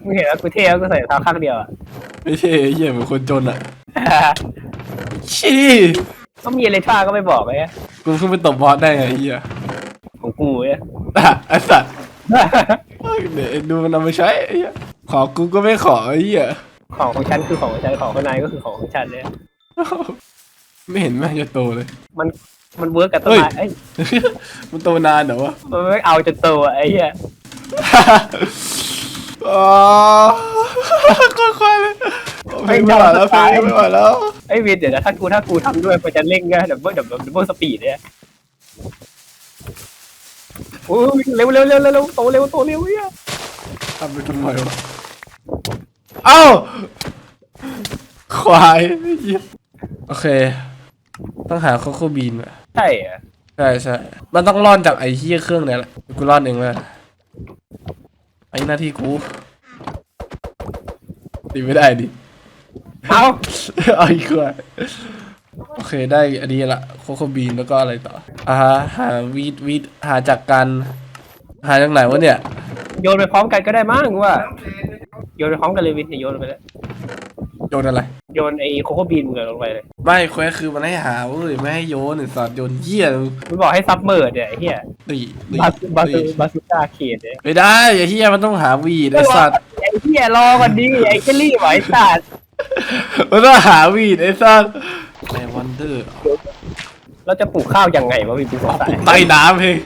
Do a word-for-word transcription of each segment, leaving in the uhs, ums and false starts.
มึงเห็นว่ากูเท่แล้วกูใส่เท้าข้างเดียวอ่ะไม่ใช่เหี้ยเหมือนคนจนอ่ะชี้ก็มีอะไรท่าก็ไม่บอกเลยกูขึ้นไปตบบอสได้ไงเหี้ยของกูเนี่ยไอ้สัตว์เดี๋ยวดูมันเอาไปใช้ไอ้เหี้ยขอกูก็ไม่ขอไอ้เหี้ยของของฉันคือของของฉันของข้างในก็คือของของฉันเลยไม่เห็นแม่งจะโตเลยมันมันเวิร์กกับต้นไม้ไอ้มันโตนานเหรอวะมันไม่เอาจนโตไอ้เหี้ยอ๋อค่อยๆเลยไม่ไหวแล้วไม่ไหวแล้วไอ้วินเดี๋ยวนะถ้ากูถ้ากูทำด้วยมันจะเร่งไงเดี๋ยวเดี๋ยวเดี๋ยวเบิร์สปีดเนี่ยโอ้ยเร็วเร็วเร็วเร็วโตเร็วโตเร็วเนี่ยทำไปทำไมวะเอ้าควายโอเคต้องหาโคโค่บีนว่ะใช่อ่ะใช่ใช่มันต้องร่อนจากไอ้เหี้ยเครื่องเนี่ยแหละกูร่อนเองเลยไอ้หน้าที่กูตีไม่ได้ดิเอาเอาอีกคนโอเคได้อันนี้ละโคโค่บีนแล้วก็อะไรต่ออ่าฮะหาวีดวีดหาจากกันหาจากไหนวะเนี่ยโยนไปพร้อมกันก็ได้มั้งว่าโยนไปพร้อมกันเลยวินโยนไปเลยโยนอะไรโยนไอ้โคโค่บีนมึงลงไปเลยไม่แควคือมันให้หาเว้ยไม่ให้โยนไอ้สัตว์โยนเหี้ยมันบอกให้ซับเมอร์เนี่ยไอ้เหี้ยตีบาสบาสบาสุก้าเขียนเนี่ยไม่ได้ไอ้เหี้ยมันต้องหาวีดไอ้สัตว์ไอ้เหี้ยรอก่อนดิไอ้เจลลี่ไว้สัตว์มันต้องหาวีดไอ้สัตว์ไอ้วันเดอร์เราจะปลูกข้าวยังไงวะวินสงสัยใต้น้ำเอง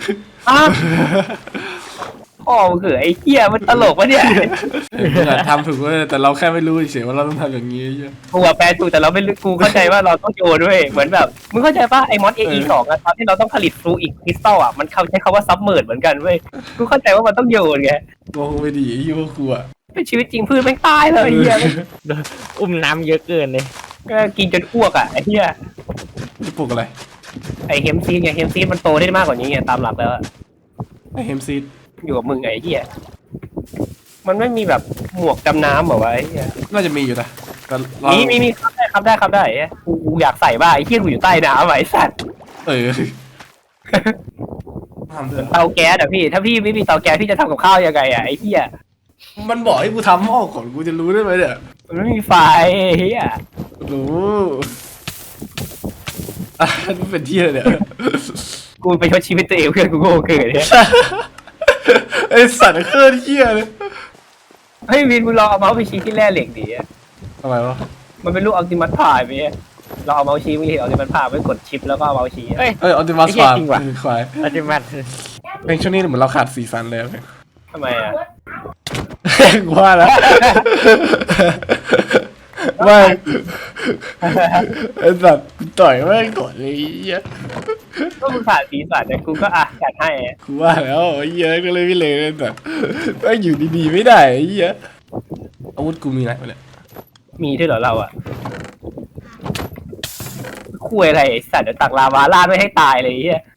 พ่อมึงคือไอ้เหี้ยมันตลกวะเนี่ยมึงอะทำถูกเลยแต่เราแค่ไม่รู้เฉยว่าเราต้องทำอย่างนี้กูว่าแปลถูกแต่เราไม่รู้กูเข้าใจว่าเราต้องโยนด้วยเหมือนแบบมึงเข้าใจป่ะไอ้มอสเอสองอะตอนที่เราต้องผลิตฟลูอิกคริสตัลอะมันเขาใช้คำว่าซับเมอร์เหมือนกันเว้ยกูเข้าใจว่ามันต้องโยนไงมองไปดีไอ้ยี่พวกกูอะเป็นชีวิตจริงพืชไม่ตายเลยไอ้เหี้ยอุ้มน้ำเยอะเกินเลยก็กินจนอ้วกอะไอ้เหี้ยจะปลูกอะไรไอ้เฮมซีดไงเฮมซีดมันโตได้มากกว่านี้ไงตามหลักแล้วไอ้เฮมซีดอยู่กับมึงไอ้เหี้ยมันไม่มีแบบหมวกดำน้ำเหรอวะไอ้เหี้ยน่าจะมีอยู่นะมีมีมีครับได้ครับได้ครับได้กูกูอยากใส่บ้าไอ้เหี้ยกูอยู่ใต้น้ำไอ้สัตว์เออเตาแก๊สอะพี่ถ้าพี่ไม่มีเตาแก๊สพี่จะทำกับข้าวยังไงอะไอ้เหี้ยมันบอกให้กูทำหม้อก่อนกูจะรู้ได้ไหมเนี่ยมันไม่มีไฟเฮียรู้อ่ะนี่เป็นที่อะไรเนี่ยกูไปชดชีวิตตัวเองเพื่อนกูโง่เกินเนี่ยไอสัตว์เคลื่อนเหี้ยเลยเฮ้ยวินมึงลองเอาเมาส์ไปชี้ที่แร่เหล็กดิทำไมวะมันเป็นลูกอัลติมัตพายไปเราเอาเมาส์ชี้มึงเห็นอัลติมัตพายไม่กดชิปแล้วก็เอาเมาส์ชี้เฮ้ยเอ้ยอัลติมัตพายควายอัลติมัตเพลงช่วงนี้เหมือนเราขาดสีสันเลยทำไมอ่ะว่าแล้วไม่ไอ้สัตว์ต่อยแม่งก่อนเลยก็มึงขาดสีสันเนี่ยกูก็อ่ะจัดให้กูว่าแล้วไอ้เหี้ยก็เลยไม่เลยแต่ก็อยู่ดีๆไม่ได้ไอ้เหี้ยอาวุธกูมีอะไรเนี่ยมีด้วยเหรอเราอ่ะคุยอะไรไอ้สัตว์เดี๋ยวตักลาวาลาดไม่ให้ตายเลยไอ้เหี้ย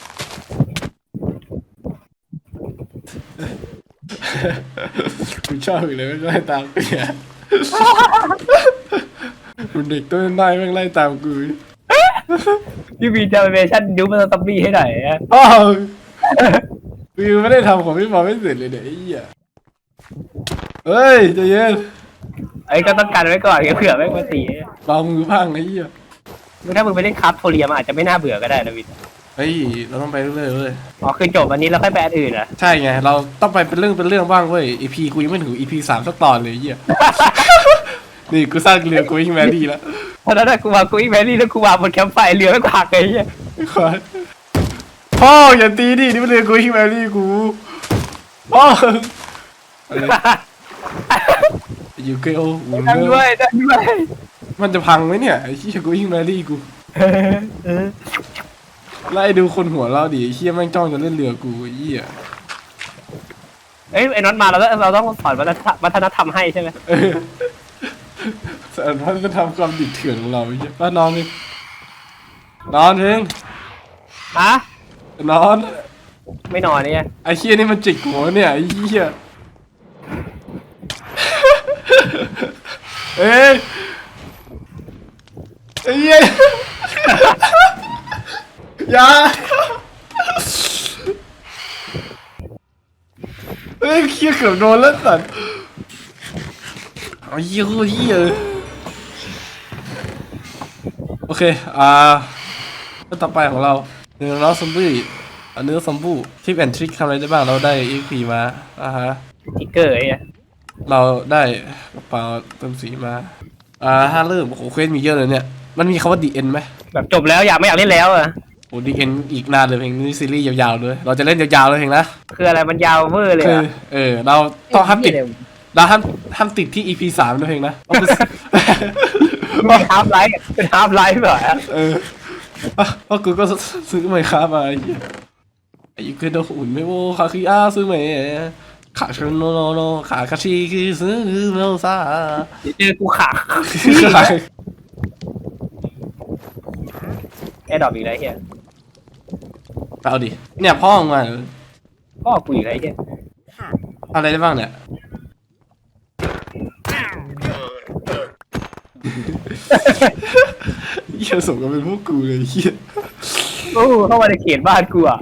กูชอบอีกเลยไม่ไล่ตามกูเนี่ยมันเด็กต้นได้แม่งไล่ตามกูพี่มีเจอเวชั่นยูมันตับบี้ให้หน่อยอ่ะอ๋อกูไม่ได้ทำของพี่บอลไม่เสร็จเลยเนี่ยไอ้เหี้ยเฮ้ยใจเย็นไอ้ก็ต้องการไว้ก่อนเผื่อแม่งมาตีลองมือพังไอ้เหี้ยถ้ามึงไปเล่นคราฟโทเรียมอาจจะไม่น่าเบื่อก็ได้นะวินเฮ้ยเราต้องไปเรื่อยๆเลยอ๋อคือจบวันนี้แล้วค่อยไปอันอื่นอ่ะใช่ไงเราต้องไปเป็นเรื่องเป็นเรื่องบ้างเว้ย อี พี กูยังไม่ถึง อี พี สามสักตอนเลยเหี้ยนี่กูสร้างเรือกูยิ่งแมรี่แล้วเพราะนั้นกูมากูยิ่งแมรี่แล้วกูมาบนแคมป์ไฟเรือไม่หักเลยเหี้ยพ่ออย่าตีดินี่มันเรือกูยิ่งแมรี่กูพ่ออยู่เกลอุ่นด้วยด้วยมันจะพังไหมเนี่ยไอ้เหี้ยกูยิ่งแมรี่กูไล่ดูคนหัวเราดิไอ้เหี้ยแม่งจ้องจะเล่นเรือกูไอ้เหี้ยเอ้ยไอ้น็อตมาเราต้องเราต้องสอนวัฒนธรรมให้ใช่ไหมสอนวัฒนธรรมความดิบเถื่อนของเราไอ้เหี้ยป้านอนเองนอนเองฮะนอนไม่นอนเนี่ยไอ้เหี้ยนี่มันจิกหัวเนี่ยไอ้เหี้ยเอ้ยไอ้เหี้ยอย่าเฮ้ยเคี้ยเกือบโดนแล้วสัตว์ไอ้เหี้ยเหี้ยโอเคอ่าก็ต่อไปของเราเนื้อน้องซอมบี้เนื้อซอมบูทิปแอนทริคทำอะไรได้บ้างเราได้ อี พี มาอ่าฮะทิกเกอร์ไอ้เนี่ยเราได้กระเป๋าเติมสีมาอ่าถ้าเริ่มโอ้โหเควสมีเยอะเลยเนี่ยมันมีคำว่า ดี เอ็น ไหมแบบจบแล้วอยากไม่อยากเล่นแล้วอะโอ้ ดี เอ็น อีกนานเลยเพลงนี้ซีรีส์ยาวๆเลยเราจะเล่นยาวๆเลยเพลงนะคืออะไรมันยาวเวอร์เลยคืออะเออเราต้องห้ามติดเราห้ามห้ามติดที่ อี พี สามด้วยเพลงนะเอาไปเป็นฮาร์ฟไลฟ์เป็นฮาร์ฟไลฟ์เหรอเอออ่ะเพราะกูก็ซื้อใหม่ครับมาไอ้เหี้ยไอ้ยูเคโดอุ่นไม่โว้ขาคืออ้าซื้อใหม่ขาชนโนโนโนขาคาชิคือซื้อโนซาเดี๋ยวเจอกูขา แอร์ดรอปอีกแล้วไอ้เฮียเอาดิเนี่ยพ่อมึงมาพ่อกูอีกแล้วไอ้เฮียอะไรได้บ้างเนี่ยเหี้ยส่งกันเป็นพวกกูเลยเหี้ยโอ้เข้ามาในเขตบ้านกูอ่ะ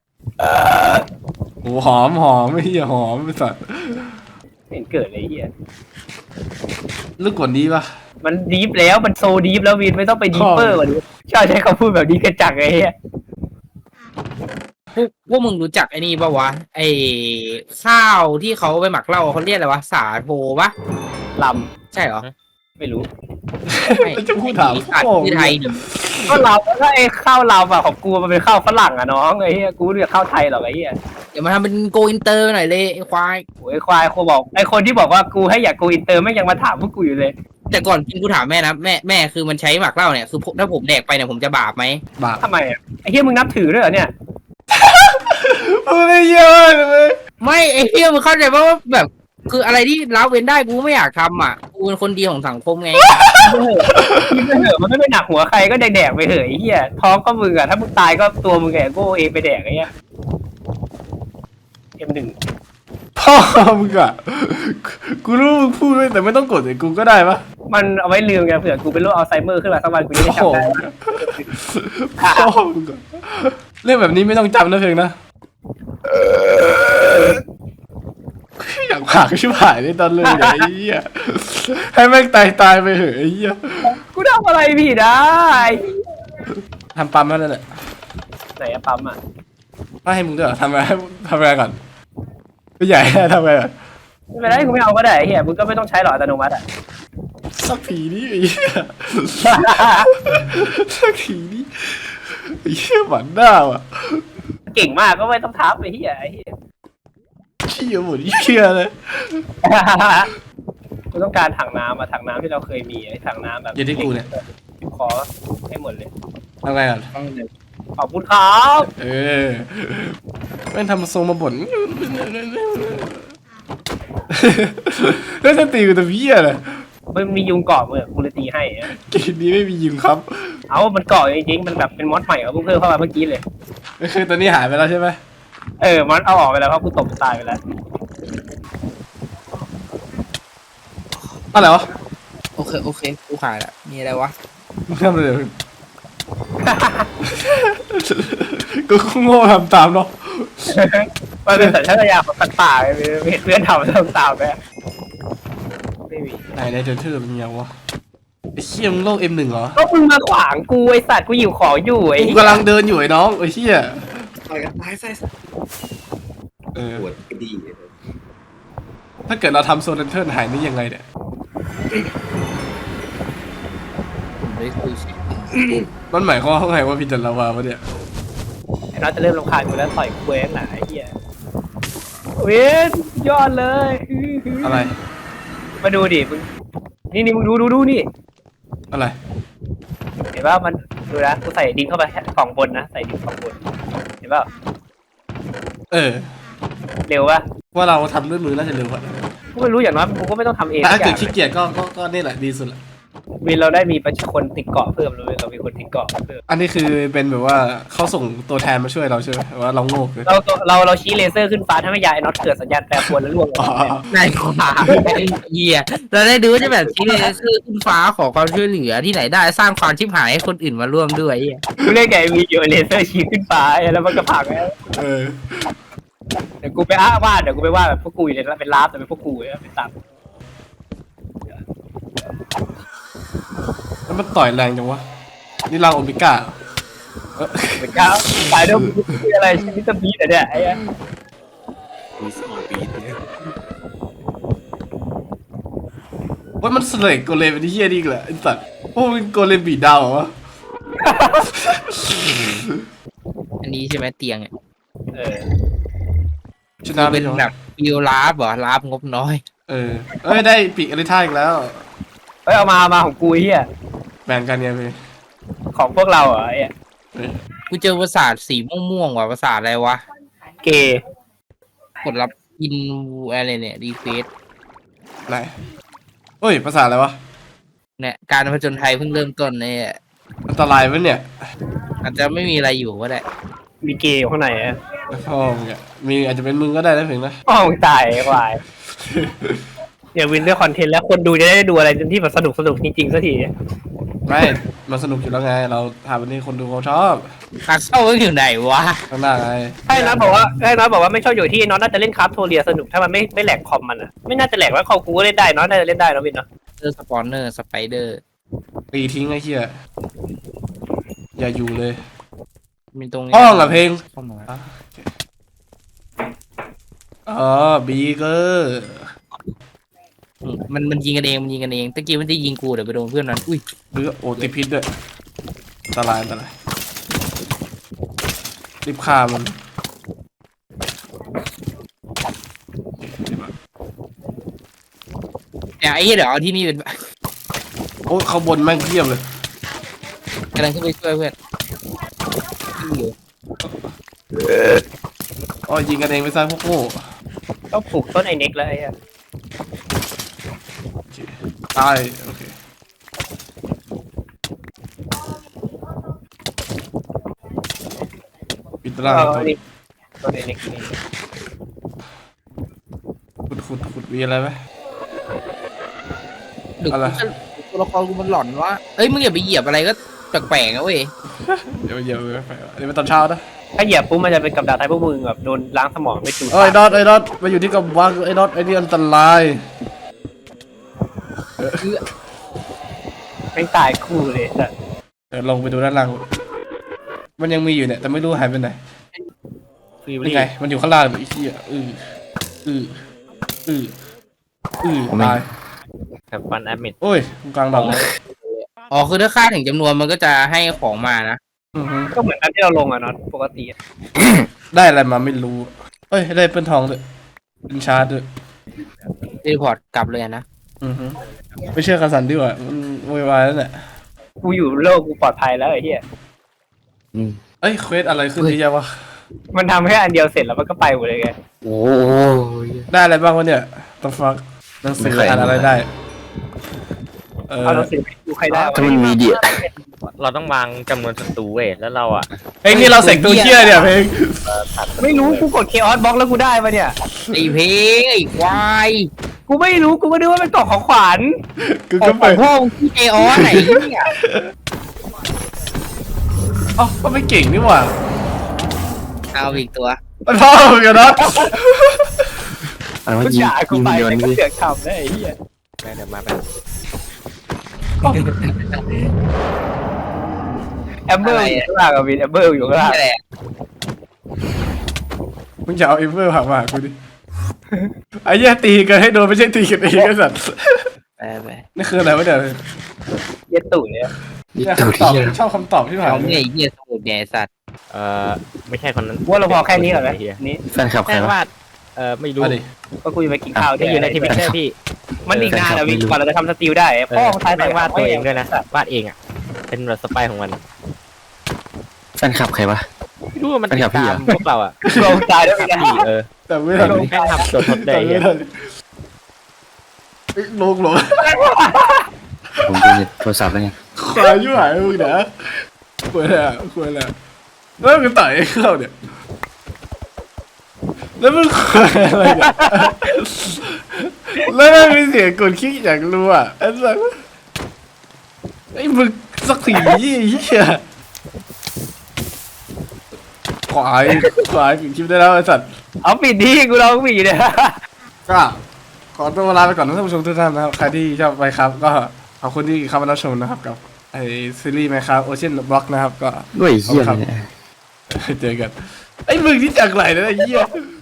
โอ้หอมหอมไม่เหี้ยหอมไอ้สัตว์ไม่เห็นเกิดเลยไอ้เฮียลึกกว่านี้ปะมันดีฟแล้วมันโซดีฟแล้ววินไม่ต้องไปดีเปอร์กว่านี้ชอบใช้คำพูดแบบนี้กันจังไอ้เฮียพวกพวกมึงรู้จักไอ้นี่ปะวะไอ้ข้าวที่เขาไปหมักเหล้าเขาเรียกอะไรวะสาโทปะลใช่เหรอำไม่รู้ไม่จะพูดถามอัดพ่อที่ไทยเนี่ยก็ลำก็ไอ้ข้าวลำอ่ะของกูมันเป็นข้าวฝรั่งอ่ะน้องไอ้เฮียกูเรียกข้าวไทยหรอกไอ้เฮียเดี๋ยวมาทำเป็นโกอินเตอร์หน่อยเลยไอ้ควายโอ้ยควายกูบอกไอ้คนที่บอกว่ากูให้อยากกูอินเตอร์ไม่ยังมาถามพวกกูอยู่เลยแต่ก่อนกินกูถามแม่นะแม่แม่คือมันใช้หมักเหล้าเนี่ยคือถ้าผมแดกไปเนี่ยผมจะบาปไหมบาปทำไมอ่ะไอ้เฮียมึงนับถือด้วยเหรอเนี่ยไม่เยอะเลยไม่ไอ้เหี้ยมึงเข้าใจปะว่าแบบ คืออะไรที่ละเว้นได้กูไม่อยากทำอ่ะกูเป็นคนดีของสังคมไงกินไปเถอะมันไม่ไปหนักหัวใครก็แดกๆไปเถอะไอ้เหี้ยท้องก็มึงอ่ะถ้ามึงตายก็ตัวมึงแกโก้เองไปแดกไอ้เหี้ยเอ็มหนึ่งพ่อมึงอะกูรู้มึงพูดด้วยแต่ไม่ต้องกดไอ้กูก็ได้ปะมันเอาไว้ลืมไงเผื่อกูเป็นโรคอัลไซเมอร์ขึ้นมาสักวันกูจะได้โอ้โหจำได้พ่อมึงอะเรื่องแบบนี้ไม่ต้องจำนะเพลงนะอยากผากชิบหายเลยตอนเลยไอ้เหี้ยให้แม่งตายตายไปเหอะไอ้เหี้ยกูทำอะไรผิดได้ทำปั๊มมาแล้วแหละไหนอะปั๊มอ่ะไม่ให้มึงด้วยเหรอทำอะไรทำอะไรก่อนไม่ใหญ่ทำอะไรก่อนไม่เป็นไรกูไม่เอาก็ได้ไอ้เหี้ยมึงก็ไม่ต้องใช้หรอกอัตโนมัติอ่ะสักทีนี้ไอ้เหี้ยสักทีนี้ไอ้เหี้ยหวานหน้าว่ะเก่งมากก็ไม่ต้องทับไอ้เหี้ยไอ้เหี้ยเชี่ยหมดเชี่ยเลยกูต้องการถังน้ำอะถังน้ำที่เราเคยมีไอ้ถังน้ำแบบอย่าที่กูเนี่ยขอให้หมดเลยทำไงก่อนขอบคุณครับเออแม่งทำทรงมาบ่นแล้วจะตีกูตัวเพี้ยเลยมันมียุงเกาะมือกูเลยตีให้อะเกมนี้ไม่มียิงครับเอามันเกาะจริงๆมันแบบเป็นมอสใหม่เขาเพิ่งเพิ่มเข้ามาเมื่อกี้เลยก็คือตอนนี้หายไปแล้วใช่ไหมเออมอสเอาออกไปแล้วเพราะกูตบตายไปแล้วอะไรวะโอเคโอเคกูขายละมีอะไรวะมึงทำอะไรมึงกูโง่ทำตามเนาะมันเป็นสัญชาตญาณของสัตว์ป่าไงไม่เห็นเพื่อนทำทำตามไปไม่มีไหนในเดนเทอร์เป็นยังวะไอ้เชี่ยมึงโลกเอ็มหนึ่งเหรอก็มึงมาขวางกูไอสัตว์กูอยู่ของอยู่ไอ้กูกำลังเดินอยู่ไอ้น้องไอ้เชี่ยต่อยกันตายใส่เออปวดกระดีเลยถ้าเกิดเราทำโซนเดนเทอร์หายนี่ยังไงเนี่ยผมได้คุยสิมันหมายความว่าไงว่าพี่จันลาวาวะเนี่ยไอ้น้องจะเริ่มรำคาญกูแล้วต่อยกูเองหนาไอ้เหี้ยเวนยอดเลยอะไรมาดูดิมึงนี่นี่มึงดูดูดูนี่อะไรเห็นป่ะมันดูนะกูใส่ดินเข้าไปกล่องบนนะใส่ดินกล่องบนเห็นป่ะเออเร็วป่ะว่าเราทำด้วยมือน่าจะเร็วกว่ากูไม่รู้อย่างน้อยกูก็ไม่ต้องทำเองแต่ทุถ้ากอเกิดย่างขี้เกียจก็ก็ก็นี่แหละดีสุดแหละวินเราได้มีประชาชนติดเกาะเพิ่มเลยเรามีคนติดเกาะเพิ่มอันนี้คือเป็นแบบว่าเขาส่งตัวแทนมาช่วยเราใช่ไหมว่าเราโง่เลยเราเราเราชี้เลเซอร์ขึ้นฟ้าถ้าไม่ยายไอ้น็อตเกิดสัญญาณแปรปรวนแล้วล่วงลงอ๋อมานายขวาไอ้เหี้ยเราได้ดูว่าจะแบบชี้เลยคือขึ้นฟ้าขอความช่วยเหลือที่ไหนได้สร้างความชิบหายให้คนอื่นมาร่วมด้วยไอ้เหี้ยกูเล่นไงมีอยู่เลเซอร์ชี้ขึ้นฟ้าแล้วมันก็พังแล้วเออเดี๋ยวกูไปอ้าวาดเดี๋ยวกูไปวาดแบบพวกกูอยู่ในเป็นลาฟแต่เป็นพวกกูเนี่ยเป็นตามมันต่อยแรงจังวะนี่รังโอเมก้าเออเป็นก้าวสายเดิมคืออะไรชนิดบีแต่เนี่ยไอ้มีสี่ปีเนี่ยว่ามันสเลกโกเลมเป็นที่เฮี้ยนี่อีกแหละไอ้สัตว์โอ้มันโกเลมบีดาวเหรอวะอันนี้ใช่ไหมเตียงอ่ะเออชนะเลเป็ยนเหรอแบบฟิลลาฟเหรอลาฟงบน้อยเออเอ้ยได้ปีกอริท่าอีกแล้วเฮ้ยเอามามาของกูเฮียแบ่งกันไงพี่ของพวกเราเหรอไอ้เออกูเจอประสาทสีม่วงๆว่ะประสาทอะไรวะเกย์กดรับอินอะไรเนี่ยรีเควสไหนเฮ้ยภาษาอะไรวะเนี่ยการผจญภัยเพิ่งเริ่มต้นเนี่ยอันตรายปะเนี่ยอาจจะไม่มีอะไรอยู่ก็ได้มีเกย์อยู่ข้างในอ่ะพ่อมึงอะมีอาจจะเป็นมึงก็ได้นะเพียงนะอ้าวมึงตายไอ้ควายอย่าวินด้วยคอนเทนต์แล้วคนดูจะได้ดูอะไรที่แบบสนุกสนุกจริงๆสักทีไม่มันสนุกอยู่แล้วไง เราทำวันนี้คนดูเขาชอบทางเข้าอยู่ไหนวะข้างหน้าไงใช่นะบอกว่าใช่นะบอกว่าไม่ชอบอยู่ที่น้องน่าจะเล่นคราฟโทเรียสนุกถ้ามันไม่ไม่แหลกคอมมันอ่ะไม่น่าจะแหลกว่าคอมกูก็เล่นได้น้องน่าจะเล่นได้นะวินเนาะเจอสปอนเนอร์สไปเดอร์ตีทิ้งไอ้เหี้ยอย่าอยู่เลยมีตรงนี้ห้องอะเพลงเข้ามาอ๋อบีเกอร์อืมมันมันยิงกันเองมันยิงกันเองตะกี้มันจะยิงกูเดี๋ยวไปโดนเพื่อนนั้นอุ้ยหรือโอติดพิษด้วยอันตรายอันตรายรีบฆ่ามันเนี่ยไอ้เหี้ยเดี๋ยวเอาที่นี่เป็นโอ้ยเขาบนแม่งเทียบเลยกำลังขึ้นไปช่วยเพื่อนอยู่อ๋อยิงกันเองไปซะพวกโง่ต้องปลูกต้นไอเน็กแล้วไอ้อะโอเคตายโอเคปิดร่างเอาตัวนี่ต้นไอเน็กนี่ขุดขุดขุดมีอะไรไหมดึกอะไรตัวละครกูมันหลอนวะเอ้ยมึงอย่าไปเหยียบอะไรก็แปลกๆนะเว้ยเดี๋ยวเดี๋ยวไปเดี๋ยวไปตอนเช้านะถ้าเหยียบปุ๊บมันจะเป็นกับดักไทยพวกมึงแบบโดนล้างสมองไปจูดเอ้ยน็อตไอ้น็อตมาอยู่ที่กำบังไอ้น็อตไอ้นี่อันตรายไม่ตายคู่เลยแต่เดี๋ยวลงไปดูด้านล่างมันยังมีอยู่เนี่ยแต่ไม่รู้หายไปไหนฟิวนี่ลี่ไงมันอยู่ข้างล่างไอ้เหี้ยอืออืออืออือตายกับฟันแอดมิดโอ้ยกลางดอกเลยอ๋อคือถ้าค่าถึงจำนวนมันก็จะให้ของมานะอือฮึก็เหมือนกันที่เราลงอะเนาะปกติอะได้อะไรมาไม่รู้เอ้ยได้เป็นทองด้วยเป็นชาร์จด้วยรีพอร์ตกลับเลยนะอือฮึไม่เชื่อกันสันดีกว่ามันโวยวายแล้วเนี่ยกูอยู่โลกกูปลอดภัยแล้วไอ้เหี้ยเอ้ยเควสอะไรขึ้นที่ยังวะมันทำแค่อันเดียวเสร็จแล้วมันก็ไปหมดเลยไงโอ้ยได้อะไรบ้างวะเนี่ยต้องฟังหนังสืออ่านอะไรได้เออเอาหนังสือไปดูใครได้วะถ้ามันมีเดียเราต้องวางจำนวนศัตรูเว้ยแล้วเราอ่ะเพลงนี่เราเสกตัวเชี่ยเนี่ยเพลงไม่รู้กูกดเคออสบล็อกแล้วกูได้ปะเนี่ยไอ้เพลงไอ้ควายกูไม่รู้กูก็นึกว่าเป็นกล่องของขวัญกูขอก็งขเปิองดพ่อมึงที่เจออสไหนเนี่ยอ๋อก็ไม่เก่งนี่หว่าเอาอีกตัวมันพ่อมึงกันนะอันว่ากูยิงด่ากูยิงไปยนแต่ต์ก็สิเสือกทำได้ไอ้เหี้ยเดี๋ยวมาไปแอมเบอร์อยู่ข้างล่างอะวินแอมเบอร์อยู่ข้างล่างนี่แหละมึงจะเอาเอเวอร์หักมาหากูดิไอ้เหี้ยตีกันให้โดนไม่ใช่ตีกันเองไอ้สัตว์ไปไปนี่คืออะไรวะเนี่ยเย็ดตู่เนี่ยยิงเนี่ยตัวคำตอบเที่ยชอบคำตอบที่ผ่านเอาเนี่ยไอ้เหี้ยสมุดเนี่ยไอ้สัตว์เอ่อไม่ใช่คนนั้นว่าเราพอแค่นี้ก่อนไหมเฮียนี่แฟนคลับใครแค่วะว่าเอ่อไม่รู้มาดิก็กูจะไปกินข้าวที่อยู่ในทีวีแค่พี่มันอีกนานอะวินกว่าเราจะทำสติลได้พ่อของทายแม่งวาดตัวเองด้วยนะวาดเองอ่ะเป็นแบบสไปร์ของมันแฟนคลับใครวะไม่รู้ว่ามันเป็นติกับดพี่ตาเหรมอพวกเราอ่ะเราตายด้วยนะเออแต่ไม่ทันแม่งทำตัวทดได้แต่เฮีไม่ยทันเอ้ยลงลงผมดูในโทรศัพท์แล้วไงควายยุ่งหายมึงนะควายแหละควายแหละแล้วมึงต่อยไอ้เข้าเนี่ยแล้วมึงควายอะไรเนี่ยแล้วมันมีเสียงกดคลิกอยากรู้อ่ะไอ้สัสไอ้มึงสักทีเหี้ยควายควายปิดคลิปได้แล้วไอ้สัตว์เอาปิดดีกูลองปิดเนี่ยก็ขอตัวลาไปก่อนนะท่านผู้ชมทุกท่านนะครับใครที่ชอบไปครับ ก็ขอบคุณที่เข้ามารับชมนะครับกับไอไอซีรีส์ไหมครับโอเชียนบล็อกนะครับก็ด้วยเหี้ยเลยเนี่ยเจอกันไอ้มึงที่จากไหนนะไอ้เหี้ย